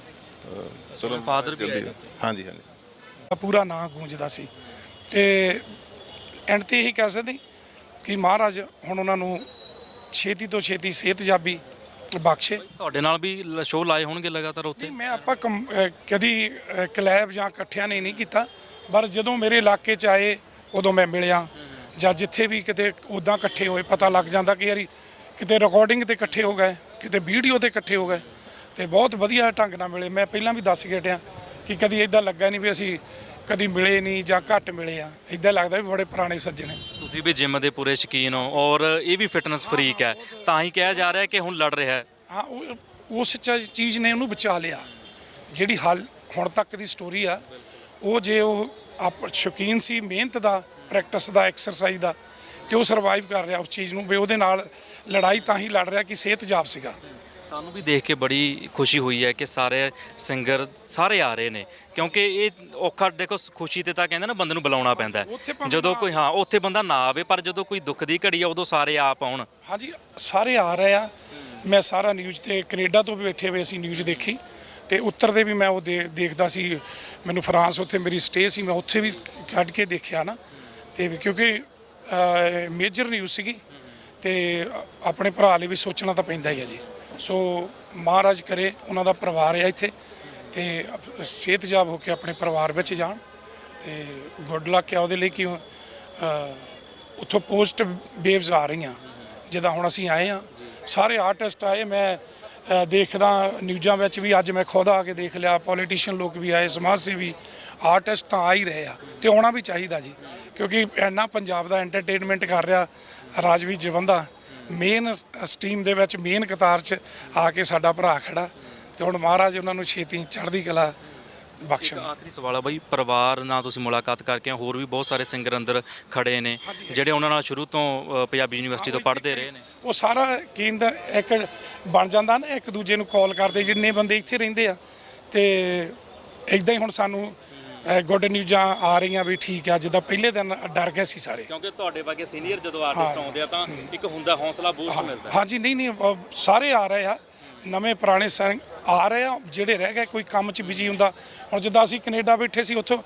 Speaker 3: ਚਲੋ
Speaker 2: ਫਾਦਰ ਵੀ ਆਏ?
Speaker 3: ਹਾਂਜੀ ਹਾਂਜੀ।
Speaker 1: ਪੂਰਾ ਨਾਂ ਗੂੰਜਦਾ ਸੀ, ਤੇ ਐਂਡ ਤੇ ਇਹੀ ਕਹਿ ਸਕਦੇ ਕਿ ਮਹਾਰਾਜ ਹੁਣ ਉਹਨਾਂ ਨੂੰ ਛੇਤੀ ਤੋਂ ਛੇਤੀ ਸਿਹਤਯਾਬੀ ਬਖਸ਼ੇ।
Speaker 2: ਤੁਹਾਡੇ ਨਾਲ ਵੀ ਸ਼ੋਅ ਲਾਏ ਹੋਣਗੇ ਲਗਾਤਾਰ ਉੱਥੇ?
Speaker 1: ਨਹੀਂ, ਮੈਂ ਆਪਾਂ ਕਮ- ਅਹ ਕਦੀ ਅਹ ਕਲੈਬ ਜਾਂ ਇਕੱਠਿਆਂ ਨੇ ਨਹੀਂ ਕੀਤਾ, ਪਰ ਜਦੋਂ ਮੇਰੇ ਇਲਾਕੇ 'ਚ ਆਏ ਉਦੋਂ ਮੈਂ ਮਿਲਿਆ, ਜਾਂ ਜਿੱਥੇ ਵੀ ਕਿਤੇ ਉੱਦਾਂ ਇਕੱਠੇ ਹੋਏ ਪਤਾ ਲੱਗ ਜਾਂਦਾ ਕਿ ਯਾਰੀ ਕਿਤੇ ਰਿਕਾਰਡਿੰਗ ਤੇ ਇਕੱਠੇ ਹੋ ਗਏ, ਕਿਤੇ ਵੀਡੀਓ ਤੇ ਇਕੱਠੇ ਹੋ ਗਏ, ਤੇ ਬਹੁਤ ਵਧੀਆ ਢੰਗ ਨਾਲ ਮਿਲੇ। ਮੈਂ ਪਹਿਲਾਂ ਵੀ ਦੱਸ ਕੇ ਹਟਿਆ ਕਿ ਕਦੀ ਇਦਾਂ ਲੱਗਾ ਨਹੀਂ ਵੀ ਅਸੀਂ ਕਦੀ ਮਿਲੇ ਨਹੀਂ ਜਾਂ ਘੱਟ ਮਿਲੇ ਆ, ਇਦਾਂ ਲੱਗਦਾ ਵੀ ਬੜੇ ਪੁਰਾਣੇ ਸੱਜਣ ਨੇ।
Speaker 2: ਤੁਸੀਂ ਵੀ ਜਿਮ ਦੇ ਪੂਰੇ ਸ਼ੌਕੀਨ ਹੋ ਔਰ ਇਹ ਵੀ ਫਿਟਨੈਸ ਫਰੀਕ ਹੈ, ਤਾਂ ਹੀ ਕਿਹਾ ਜਾ ਰਿਹਾ ਕਿ ਹੁਣ ਲੜ ਰਿਹਾ ਹੈ।
Speaker 1: ਹਾਂ, ਉਹ ਉਸ ਚ- ਚੀਜ਼ ਨੇ ਉਹਨੂੰ ਬਚਾ ਲਿਆ। ਜਿਹੜੀ ਹਾਲ ਹੁਣ ਤੱਕ ਦੀ ਸਟੋਰੀ ਆ, ਉਹ ਜੇ ਉਹ ਆਪ ਸ਼ੌਕੀਨ ਸੀ ਮਿਹਨਤ ਦਾ, ਪ੍ਰੈਕਟਿਸ ਦਾ, ਐਕਸਰਸਾਈਜ਼ ਦਾ, ਤੇ ਉਹ ਸਰਵਾਈਵ ਕਰ ਰਿਹਾ ਉਸ ਚੀਜ਼ ਨੂੰ ਵੀ ਉਹਦੇ ਨਾਲ ਲੜਾਈ ਤਾਂ ਹੀ ਲੜ ਰਿਹਾ ਕਿ ਸਿਹਤਯਾਬ ਸੀਗਾ।
Speaker 2: ਸਾਨੂੰ ਵੀ ਦੇਖ ਕੇ ਬੜੀ ਖੁਸ਼ੀ ਹੋਈ ਹੈ ਕਿ ਸਾਰੇ ਸਿੰਗਰ ਸਾਰੇ ਆ ਰਹੇ ਨੇ, ਕਿਉਂਕਿ ਇਹ ਔਖਾ ਦੇਖੋ, ਖੁਸ਼ੀ ਤੇ ਤਾਂ ਕਹਿੰਦੇ ਨਾ ਬੰਦੇ ਨੂੰ ਬੁਲਾਉਣਾ ਪੈਂਦਾ
Speaker 1: ਉੱਥੇ
Speaker 2: ਹੈ।
Speaker 1: ਭਾਵੇਂ
Speaker 2: ਜਦੋਂ
Speaker 1: ਨਾ-
Speaker 2: ਕੋਈ ਹਾਂ ਉੱਥੇ ਬੰਦਾ ਨਾ ਆਵੇ, ਪਰ ਜਦੋਂ ਕੋਈ ਦੁੱਖ ਦੀ ਘੜੀ ਆ ਉਦੋਂ ਸਾਰੇ ਆਪ ਆਉਣ।
Speaker 1: ਹਾਂਜੀ, ਸਾਰੇ ਆ ਰਹੇ ਆ। ਮੈਂ ਸਾਰਾ ਨਿਊਜ਼ ਤੇ ਕੈਨੇਡਾ ਤੋਂ ਵੀ ਬੈਠੇ ਹੋਏ ਅਸੀਂ ਨਿਊਜ਼ ਦੇਖੀ, ਤੇ ਉੱਤਰ ਦੇ ਵੀ ਮੈਂ ਉਹ ਦੇ- ਦੇਖਦਾ ਸੀ। ਮੈਨੂੰ ਫਰਾਂਸ ਉੱਥੇ ਮੇਰੀ ਸਟੇ ਸੀ, ਮੈਂ ਉੱਥੇ ਵੀ ਕੱਢ ਕੇ ਦੇਖਿਆ ਨਾ, ਤੇ ਵੀ ਕਿਉਂਕਿ ਮੇਜਰ ਨਿਊਜ਼ ਸੀਗੀ, ਤੇ ਆਪਣੇ ਭਰਾ ਲਈ ਵੀ ਸੋਚਣਾ ਤਾਂ ਪੈਂਦਾ ਹੀ ਹੈ ਜੀ। ਸੋ ਮਹਾਰਾਜ ਕਰੇ ਉਹਨਾਂ ਦਾ ਪਰਿਵਾਰ ਹੈ ਇੱਥੇ, ਤੇ ਸਿਹਤਯਾਬ ਹੋ ਕੇ ਆਪਣੇ ਪਰਿਵਾਰ ਵਿੱਚ ਜਾਣ, ਤੇ ਗੁੱਡ ਲੱਕ ਹੈ ਉਹਦੇ ਲਈ ਕਿ ਅ, ਉੱਥੋਂ ਪੋਸਟ ਵੇਵਸ ਆ ਰਹੀਆਂ ਜਿੱਦਾਂ ਹੁਣ ਅਸੀਂ ਆਏ ਆ, ਸਾਰੇ ਆਰਟਿਸਟ ਆਏ। ਮੈਂ ਅ, ਦੇਖਦਾ ਨਿਊਜ਼ਾਂ ਵਿੱਚ ਵੀ, ਅੱਜ ਮੈਂ ਖੁਦ ਆ ਕੇ ਦੇਖ ਲਿਆ, ਪੋਲੀਟੀਸ਼ੀਅਨ ਲੋਕ ਵੀ ਆਏ, ਸਮਾਜ ਸੇਵੀ, ਆਰਟਿਸਟ ਤਾਂ ਆ ਹੀ ਰਹੇ ਆ, ਤੇ ਆਉਣਾ ਵੀ ਚਾਹੀਦਾ ਜੀ, ਕਿਉਂਕਿ ਇੰਨਾ ਪੰਜਾਬ ਦਾ ਐਂਟਰਟੇਨਮੈਂਟ ਕਰ ਰਿਹਾ ਰਾਜਵੀਰ ਜਵੰਦਾ, ਮੇਨ ਸਟਰੀਮ ਦੇ ਵਿੱਚ ਮੇਨ ਕਤਾਰ 'ਚ ਆ ਕੇ ਸਾਡਾ ਭਰਾ ਖੜਾ, ਤੇ ਹੁਣ ਮਹਾਰਾਜ ਉਹਨਾਂ ਨੂੰ ਛੇਤੀ ਚੜ੍ਹਦੀ ਕਲਾ ਬਖਸ਼ਣ।
Speaker 2: ਆਖਰੀ ਸਵਾਲ ਆ ਬਾਈ, ਪਰਿਵਾਰ ਨਾਲ ਤੁਸੀਂ ਮੁਲਾਕਾਤ ਕਰਕੇ ਆਏ, ਹੋਰ ਵੀ ਬਹੁਤ ਸਾਰੇ ਸਿੰਗਰ ਅੰਦਰ ਖੜੇ ਨੇ ਜਿਹੜੇ ਉਹਨਾਂ ਨਾਲ ਸ਼ੁਰੂ ਤੋਂ ਅ, ਪੰਜਾਬੀ ਯੂਨੀਵਰਸਿਟੀ ਤੋਂ ਪੜ੍ਹਦੇ ਰਹੇ ਨੇ।
Speaker 1: ਉਹ ਸਾਰਾ ਕੇਂਦਰ ਇੱਕ ਬਣ ਜਾਂਦਾ ਨਾ, ਇੱਕ ਦੂਜੇ ਨੂੰ ਕਾਲ ਕਰਦੇ ਜਿੰਨੇ ਬੰਦੇ ਇੱਥੇ ਰਹਿੰਦੇ ਆ, ਤੇ ਇਦਾਂ ਹੀ ਹੁਣ ਸਾਨੂੰ ਗੁੱਡ ਨਿਊਜ਼ਾਂ ਆ ਰਹੀਆਂ ਵੀ ਠੀਕ ਆ। ਜਿੱਦਾਂ ਪਹਿਲੇ ਦਿਨ ਡਰ ਗਏ ਸੀ ਸਾਰੇ,
Speaker 2: ਕਿਉਂਕਿ ਤੁਹਾਡੇ ਵਰਗੇ ਸੀਨੀਅਰ ਜਦੋਂ ਆਰਟਿਸਟ ਆਉਂਦੇ ਆ ਤਾਂ ਇੱਕ ਹੁੰਦਾ ਹੌਸਲਾ ਬੂਸਟ ਮਿਲਦਾ।
Speaker 1: ਹਾਂਜੀ, ਨਹੀਂ ਨਹੀਂ ਅਹ ਸਾਰੇ ਆ ਰਹੇ ਆ, ਨਵੇਂ ਪੁਰਾਣੇ ਸਿੰਘ ਆ ਰਹੇ ਆ, ਜਿਹੜੇ ਰਹਿ ਗਏ ਕੋਈ ਕੰਮ 'ਚ ਬਿਜੀ ਹੁੰਦਾ। ਹੁਣ ਜਿੱਦਾਂ ਅਸੀਂ ਕੈਨੇਡਾ ਬੈਠੇ ਸੀ, ਉੱਥੋਂ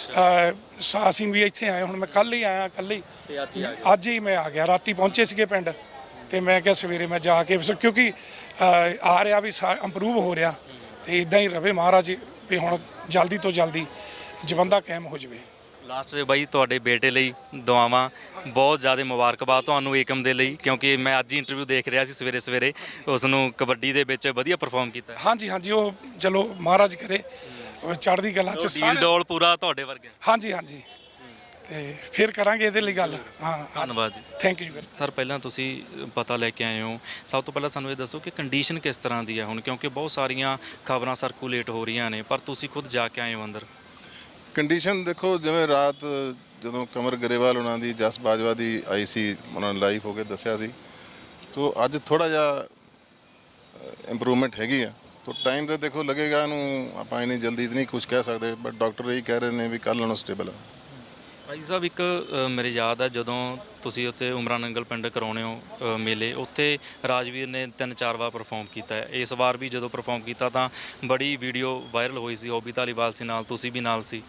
Speaker 1: ਅਹ, ਅਸੀਂ ਵੀ ਇੱਥੇ ਆਏ। ਹੁਣ ਮੈਂ ਕੱਲ ਹੀ ਆਇਆ, ਕੱਲ ਹੀ
Speaker 2: ਤੇ ਅੱਜ ਹੀ ਆ
Speaker 1: ਅੱਜ ਹੀ ਮੈਂ ਆ ਗਿਆ। ਰਾਤੀ ਪਹੁੰਚੇ ਸੀਗੇ ਪਿੰਡ, ਤੇ ਮੈਂ ਕਿਹਾ ਸਵੇਰੇ ਮੈਂ ਜਾ ਕੇ, ਕਿਉਂਕਿ ਅਹ, ਆ ਰਿਹਾ ਵੀ ਇੰਪਰੂਵ ਹੋ ਰਿਹਾ, ਤੇ ਇਦਾਂ ਹੀ ਰਵੇ ਮਹਾਰਾਜ ਵੀ ਹੁਣ ਜਲਦੀ ਤੋਂ ਜਲਦੀ ਜਵੰਦਾ ਕਾਇਮ ਹੋ ਜਾਵੇ।
Speaker 2: ਲਾਸਟ 'ਚ ਬਾਈ ਤੁਹਾਡੇ ਬੇਟੇ ਲਈ ਦੁਆਵਾਂ, ਬਹੁਤ ਜ਼ਿਆਦਾ ਮੁਬਾਰਕਬਾਦ ਤੁਹਾਨੂੰ ਏਕਮ ਦੇ ਲਈ, ਕਿਉਂਕਿ ਮੈਂ ਅੱਜ ਹੀ ਇੰਟਰਵਿਊ ਦੇਖ ਰਿਹਾ ਸੀ ਸਵੇਰੇ ਸਵੇਰੇ, ਉਸ ਨੂੰ ਕਬੱਡੀ ਦੇ ਵਿੱਚ ਵਧੀਆ ਪਰਫਾਰਮ ਕੀਤਾ।
Speaker 1: ਹਾਂਜੀ ਹਾਂਜੀ, ਉਹ ਚਲੋ ਮਹਾਰਾਜ ਕਰੇ ਚੜ੍ਹਦੀ ਕਲਾ 'ਚ
Speaker 2: ਡੀਲ
Speaker 1: ਸਾਰੇ।
Speaker 2: ਡੋਲ ਪੂਰਾ ਤੁਹਾਡੇ ਵਰਗੇ।
Speaker 1: ਹਾਂਜੀ ਹਾਂਜੀ, ਤੇ ਫਿਰ ਕਰਾਂਗੇ ਇਹਦੇ ਲਈ ਗੱਲ। ਹਾਂ,
Speaker 2: ਧੰਨਵਾਦ ਜੀ।
Speaker 1: Thank you very.
Speaker 2: ਸਰ, ਪਹਿਲਾਂ ਤੁਸੀਂ ਪਤਾ ਲੈ ਕੇ ਆਏ ਹੋ, ਸਭ ਤੋਂ ਪਹਿਲਾਂ ਸਾਨੂੰ ਇਹ ਦੱਸੋ ਕਿ ਕੰਡੀਸ਼ਨ ਕਿਸ ਤਰ੍ਹਾਂ ਦੀ ਹੈ ਹੁਣ, ਕਿਉਂਕਿ ਬਹੁਤ ਸਾਰੀਆਂ ਖਬਰਾਂ ਸਰਕੂਲੇਟ ਹੋ ਰਹੀਆਂ ਨੇ, ਪਰ ਤੁਸੀਂ ਖੁਦ ਜਾ ਕੇ ਆਏ ਹੋ ਅੰਦਰ।
Speaker 3: ਕੰਡੀਸ਼ਨ ਦੇਖੋ, ਜਿਵੇਂ ਰਾਤ ਜਦੋਂ ਕਮਰ ਗਰੇਵਾਲ ਉਹਨਾਂ ਦੀ, ਜਸ ਬਾਜਵਾ ਦੀ ਆਈ ਸੀ, ਉਹਨਾਂ ਨੇ ਲਾਈਵ ਹੋ ਕੇ ਦੱਸਿਆ ਸੀ, ਤੋ ਅੱਜ ਥੋੜਾ ਜਿਹਾ ਇੰਪਰੂਵਮੈਂਟ ਹੈਗੀ ਆ। ਤੋ ਟਾਈਮ ਤੇ ਦੇਖੋ ਲੱਗੇਗਾ, ਇਹਨੂੰ ਆਪਾਂ ਇੰਨੀ ਜਲਦੀ ਨਹੀਂ ਕੁਝ ਕਹਿ ਸਕਦੇ, ਬਟ ਡਾਕਟਰ ਇਹ ਕਹਿ ਰਹੇ ਨੇ ਵੀ ਕੱਲ੍ਹ ਨਾਲੋਂ ਸਟੇਬਲ ਆ।
Speaker 2: ਭਾਈ ਸਾਹਿਬ, ਇੱਕ ਅ, ਮੇਰੇ ਯਾਦ ਆ ਜਦੋਂ ਤੁਸੀਂ ਉੱਥੇ ਉਮਰਾ ਨੰਗਲ ਪਿੰਡ ਕਰਾਉਣੇ ਹੋ ਅ, ਮੇਲੇ, ਉੱਥੇ ਰਾਜਵੀਰ ਨੇ ਤਿੰਨ ਚਾਰ ਵਾਰ ਪਰਫਾਰਮ ਕੀਤਾ ਹੈ। ਇਸ ਵਾਰ ਵੀ ਜਦੋਂ ਪਰਫਾਰਮ ਕੀਤਾ ਤਾਂ ਬੜੀ ਵੀਡੀਓ ਵਾਇਰਲ ਹੋਈ ਸੀ, ਓਬੀ ਧਾਲੀਵਾਲ ਸੀ ਨਾਲ, ਤੁਸੀਂ ਵੀ ਨਾਲ ਸੀ।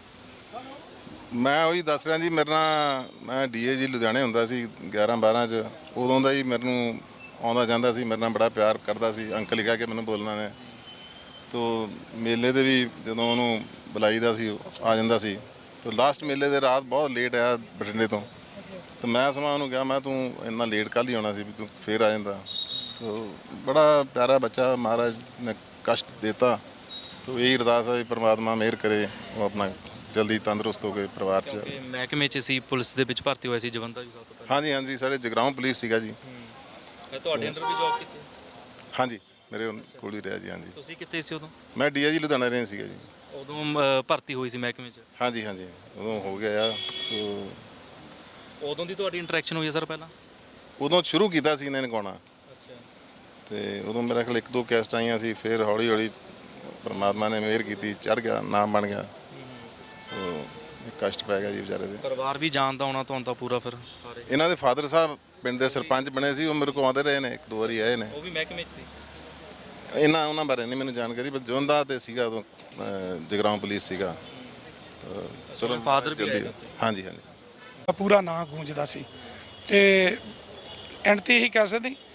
Speaker 3: ਮੈਂ ਉਹੀ ਦੱਸ ਰਿਹਾ ਜੀ, ਮੇਰੇ ਨਾਲ ਮੈਂ ਡੀਏ ਜੀ ਲੁਧਿਆਣੇ ਹੁੰਦਾ ਸੀ ਗਿਆਰਾਂ ਬਾਰਾਂ 'ਚ, ਉਦੋਂ ਦਾ ਹੀ ਮੈਨੂੰ ਆਉਂਦਾ ਜਾਂਦਾ ਸੀ, ਮੇਰੇ ਨਾਲ ਬੜਾ ਪਿਆਰ ਕਰਦਾ ਸੀ, ਅੰਕਲ ਹੀ ਕਹਿ ਕੇ ਮੈਨੂੰ ਬੋਲਣਾ ਨੇ। ਤੋ ਮੇਲੇ 'ਤੇ ਵੀ ਜਦੋਂ ਉਹਨੂੰ ਬੁਲਾਈਦਾ ਸੀ ਆ ਜਾਂਦਾ ਸੀ। ਤੋ ਲਾਸਟ ਮੇਲੇ ਦੇ ਰਾਤ ਬਹੁਤ ਲੇਟ ਆਇਆ ਬਠਿੰਡੇ ਤੋਂ, ਤੇ ਮੈਂ ਸਮਾਂ ਉਹਨੂੰ ਕਿਹਾ, ਮੈਂ ਤੂੰ ਇੰਨਾ ਲੇਟ ਕੱਲ੍ਹ ਹੀ ਆਉਣਾ ਸੀ ਵੀ ਤੂੰ ਫੇਰ ਆ ਜਾਂਦਾ। ਤੋ ਬੜਾ ਪਿਆਰਾ ਬੱਚਾ, ਮਹਾਰਾਜ ਨੇ ਕਸ਼ਟ ਦਿੱਤਾ, ਤੋ ਇਹੀ ਅਰਦਾਸ ਹੈ ਵੀ ਪ੍ਰਮਾਤਮਾ ਮਿਹਰ ਕਰੇ, ਉਹ ਆਪਣਾ ਜਲਦੀ ਤੰਦਰੁਸਤ ਹੋ ਕੇ ਪਰਿਵਾਰ 'ਚ।
Speaker 2: ਕਿਉਂਕਿ ਮਹਿਕਮੇ 'ਚ ਸੀ, ਪੁਲਿਸ ਦੇ ਵਿੱਚ ਭਰਤੀ ਹੋਇਆ ਸੀ ਜਵੰਦਾ ਜੀ ਸਭ ਤੋਂ ਪਹਿਲਾਂ।
Speaker 3: ਹਾਂਜੀ ਹਾਂਜੀ, ਸਾਡੇ ਜਗਰਾਉਂ ਪੁਲਿਸ ਸੀਗਾ ਜੀ।
Speaker 2: ਤੁਹਾਡੇ ਅੰਡਰ ਵੀ ਜੌਬ ਕੀਤੀ?
Speaker 3: ਹਾਂਜੀ, ਮੇਰੇ ਕੋਲ ਹੀ ਰਿਹਾ ਜੀ। ਹਾਂਜੀ,
Speaker 2: ਤੁਸੀਂ ਕਿੱਥੇ ਸੀ ਉਦੋਂ?
Speaker 3: ਮੈਂ ਡੀ ਆਈ ਜੀ ਲੁਧਿਆਣਾ ਰਹੇ ਸੀਗਾ ਜੀ।
Speaker 2: ਉਦੋਂ ਅ, ਭਰਤੀ ਹੋਈ ਸੀ ਮਹਿਕਮੇ 'ਚ?
Speaker 3: ਹਾਂਜੀ ਹਾਂਜੀ, ਉਦੋਂ ਹੋ ਗਿਆ ਆ। ਤੋ
Speaker 2: ਉਦੋਂ ਦੀ ਤੁਹਾਡੀ ਇੰਟਰੈਕਸ਼ਨ ਹੋਈ ਹੈ ਸਰ ਪਹਿਲਾਂ?
Speaker 3: ਉਦੋਂ ਸ਼ੁਰੂ ਕੀਤਾ ਸੀ ਇਹਨਾਂ ਨੇ ਗਾਉਣਾ,
Speaker 2: ਅੱਛਾ।
Speaker 3: ਤੇ ਉਦੋਂ ਮੇਰੇ ਖਿਆਲ ਇੱਕ ਦੋ ਕੈਸਟ ਆਈਆਂ ਸੀ, ਫਿਰ ਹੌਲੀ ਹੌਲੀ ਪਰਮਾਤਮਾ ਨੇ ਮਿਹਰ ਕੀਤੀ, ਚੜ੍ਹ ਗਿਆ, ਨਾਮ ਬਣ ਗਿਆ। ਸੋ ਕਸ਼ਟ ਪੈ ਗਿਆ ਜੀ ਵਿਚਾਰੇ ਦੇ।
Speaker 2: ਪਰਿਵਾਰ ਵੀ ਜਾਣਦਾ ਹੋਣਾ ਤੁਹਾਨੂੰ ਤਾਂ ਪੂਰਾ ਫਿਰ ਸਾਰੇ?
Speaker 3: ਇਹਨਾਂ ਦੇ ਫਾਦਰ ਸਾਹਿਬ ਪਿੰਡ ਦੇ ਸਰਪੰਚ ਬਣੇ ਸੀ, ਉਹ ਮੇਰੇ ਕੋਲ ਆਉਂਦੇ ਰਹੇ ਨੇ, ਇੱਕ ਦੋ ਵਾਰੀ ਆਏ ਨੇ।
Speaker 2: ਉਹ ਵੀ ਮਹਿਕਮੇ 'ਚ ਸੀ?
Speaker 3: ਇਹਨਾਂ ਉਹਨਾਂ ਬਾਰੇ ਨਹੀਂ ਮੈਨੂੰ ਜਾਣਕਾਰੀ, ਪਰ ਜਵੰਦਾ ਤੇ ਸੀਗਾ ਉਦੋਂ, ਜਗਰਾਉਂ ਪੁਲਿਸ ਸੀਗਾ। ਤਾਂ ਚਲੋ
Speaker 2: ਫਾਦਰ ਵੀ ਆਏ
Speaker 3: ਜਲਦੀ। ਹਾਂਜੀ ਹਾਂਜੀ,
Speaker 1: ਪੂਰਾ ਨਾਂ ਗੂੰਜਦਾ ਸੀ, ਤੇ ਐਂਡ ਤੇ ਇਹੀ ਕਹਿ ਸਕਦੇ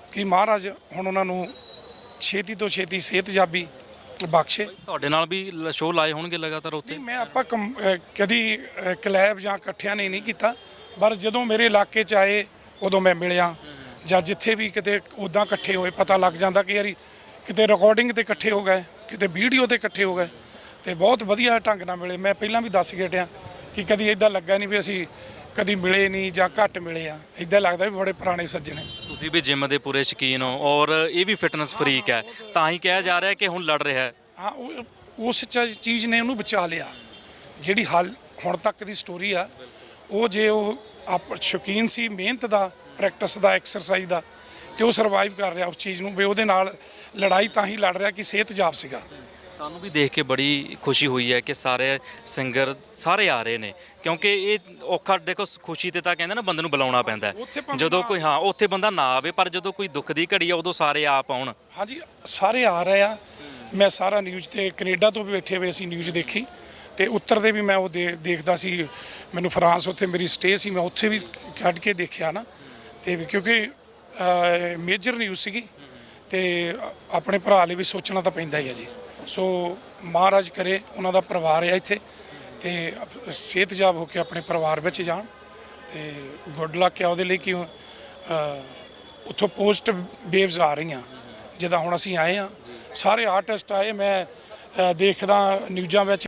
Speaker 1: ਕਿ ਮਹਾਰਾਜ ਹੁਣ ਉਹਨਾਂ ਨੂੰ ਛੇਤੀ ਤੋਂ ਛੇਤੀ ਸਿਹਤਯਾਬੀ ਬਖਸ਼ੇ।
Speaker 2: ਤੁਹਾਡੇ ਨਾਲ ਵੀ ਸ਼ੋਅ ਲਾਏ ਹੋਣਗੇ ਲਗਾਤਾਰ ਉੱਥੇ?
Speaker 1: ਨਹੀਂ, ਮੈਂ ਆਪਾਂ ਕਮ- ਅਹ ਕਦੀ ਅਹ ਕਲੈਬ ਜਾਂ ਇਕੱਠਿਆਂ ਨੇ ਨਹੀਂ ਕੀਤਾ, ਪਰ ਜਦੋਂ ਮੇਰੇ ਇਲਾਕੇ 'ਚ ਆਏ ਉਦੋਂ ਮੈਂ ਮਿਲਿਆ, ਜਾਂ ਜਿੱਥੇ ਵੀ ਕਿਤੇ ਉੱਦਾਂ ਇਕੱਠੇ ਹੋਏ ਪਤਾ ਲੱਗ ਜਾਂਦਾ ਕਿ ਯਾਰੀ ਕਿਤੇ ਰਿਕਾਰਡਿੰਗ ਤੇ ਇਕੱਠੇ ਹੋ ਗਏ, ਕਿਤੇ ਵੀਡੀਓ ਤੇ ਇਕੱਠੇ ਹੋ ਗਏ, ਤੇ ਬਹੁਤ ਵਧੀਆ ਢੰਗ ਨਾਲ ਮਿਲੇ। ਮੈਂ ਪਹਿਲਾਂ ਵੀ ਦੱਸ ਕੇ ਹਟਿਆ ਕਿ ਕਦੀ ਇਦਾਂ ਲੱਗਾ ਨਹੀਂ ਵੀ ਅਸੀਂ ਕਦੀ ਮਿਲੇ ਨਹੀਂ ਜਾਂ ਘੱਟ ਮਿਲੇ ਆ, ਇਦਾਂ ਲੱਗਦਾ ਵੀ ਬੜੇ ਪੁਰਾਣੇ ਸੱਜਣ ਨੇ।
Speaker 2: ਤੁਸੀਂ ਵੀ ਜਿਮ ਦੇ ਪੂਰੇ ਸ਼ੌਕੀਨ ਹੋ ਔਰ ਇਹ ਵੀ ਫਿਟਨੈਸ ਫਰੀਕ ਹੈ, ਤਾਂ ਹੀ ਕਿਹਾ ਜਾ ਰਿਹਾ ਕਿ ਹੁਣ ਲੜ ਰਿਹਾ ਹੈ।
Speaker 1: ਹਾਂ, ਉਹ ਉਸ ਚ- ਚੀਜ਼ ਨੇ ਉਹਨੂੰ ਬਚਾ ਲਿਆ। ਜਿਹੜੀ ਹਾਲ ਹੁਣ ਤੱਕ ਦੀ ਸਟੋਰੀ ਆ, ਉਹ ਜੇ ਉਹ ਆਪ ਸ਼ੌਕੀਨ ਸੀ ਮਿਹਨਤ ਦਾ, ਪ੍ਰੈਕਟਿਸ ਦਾ, ਐਕਸਰਸਾਈਜ਼ ਦਾ, ਤੇ ਉਹ ਸਰਵਾਈਵ ਕਰ ਰਿਹਾ ਉਸ ਚੀਜ਼ ਨੂੰ ਵੀ ਉਹਦੇ ਨਾਲ ਲੜਾਈ ਤਾਂ ਹੀ ਲੜ ਰਿਹਾ ਕਿ ਸਿਹਤਯਾਬ ਸੀਗਾ।
Speaker 2: ਸਾਨੂੰ ਵੀ ਦੇਖ ਕੇ ਬੜੀ ਖੁਸ਼ੀ ਹੋਈ ਹੈ ਕਿ ਸਾਰੇ ਸਿੰਗਰ ਸਾਰੇ ਆ ਰਹੇ ਨੇ, ਕਿਉਂਕਿ ਇਹ ਔਖਾ ਦੇਖੋ, ਖੁਸ਼ੀ ਤੇ ਤਾਂ ਕਹਿੰਦੇ ਨਾ ਬੰਦੇ ਨੂੰ ਬੁਲਾਉਣਾ ਪੈਂਦਾ ਹੈ।
Speaker 1: ਉੱਥੇ ਭਾਵੇਂ
Speaker 2: ਜਦੋਂ ਕੋਈ ਹਾਂ ਉੱਥੇ ਬੰਦਾ ਨਾ ਆਵੇ, ਪਰ ਜਦੋਂ ਕੋਈ ਦੁੱਖ ਦੀ ਘੜੀ ਆ ਉਦੋਂ ਸਾਰੇ ਆਪ ਆਉਣ।
Speaker 1: ਹਾਂਜੀ, ਸਾਰੇ ਆ ਰਹੇ ਆ। ਮੈਂ ਸਾਰਾ ਨਿਊਜ਼ ਤੇ ਕੈਨੇਡਾ ਤੋਂ ਵੀ ਬੈਠੇ ਹੋਏ ਅਸੀਂ ਨਿਊਜ਼ ਦੇਖੀ, ਤੇ ਉੱਤਰ ਦੇ ਵੀ ਮੈਂ ਉਹ ਦੇ- ਦੇਖਦਾ ਸੀ। ਮੈਨੂੰ ਫਰਾਂਸ ਉੱਥੇ ਮੇਰੀ ਸਟੇ ਸੀ, ਮੈਂ ਉੱਥੇ ਵੀ ਕੱਢ ਕੇ ਦੇਖਿਆ ਨਾ, ਤੇ ਵੀ ਕਿਉਂਕਿ ਮੇਜਰ ਨਿਊਜ਼ ਸੀਗੀ, ਤੇ ਆਪਣੇ ਭਰਾ ਲਈ ਵੀ ਸੋਚਣਾ ਤਾਂ ਪੈਂਦਾ ਹੀ ਹੈ ਜੀ। ਸੋ ਮਹਾਰਾਜ ਕਰੇ ਉਹਨਾਂ ਦਾ ਪਰਿਵਾਰ ਹੈ ਇੱਥੇ, ਤੇ ਸਿਹਤਯਾਬ ਹੋ ਕੇ ਆਪਣੇ ਪਰਿਵਾਰ ਵਿੱਚ ਜਾਣ, ਤੇ ਗੁੱਡ ਲੱਕ ਆ ਉਹਦੇ ਲਈ ਕਿ ਅ, ਉੱਥੋਂ ਪੋਸਟ ਵੇਵਸ ਆ ਰਹੀਆਂ। ਜਿੱਦਾਂ ਹੁਣ ਅਸੀਂ ਆਏ ਹਾਂ, ਸਾਰੇ ਆਰਟਿਸਟ ਆਏ, ਮੈਂ ਅ, ਦੇਖਦਾ ਨਿਊਜ਼ਾਂ ਵਿੱਚ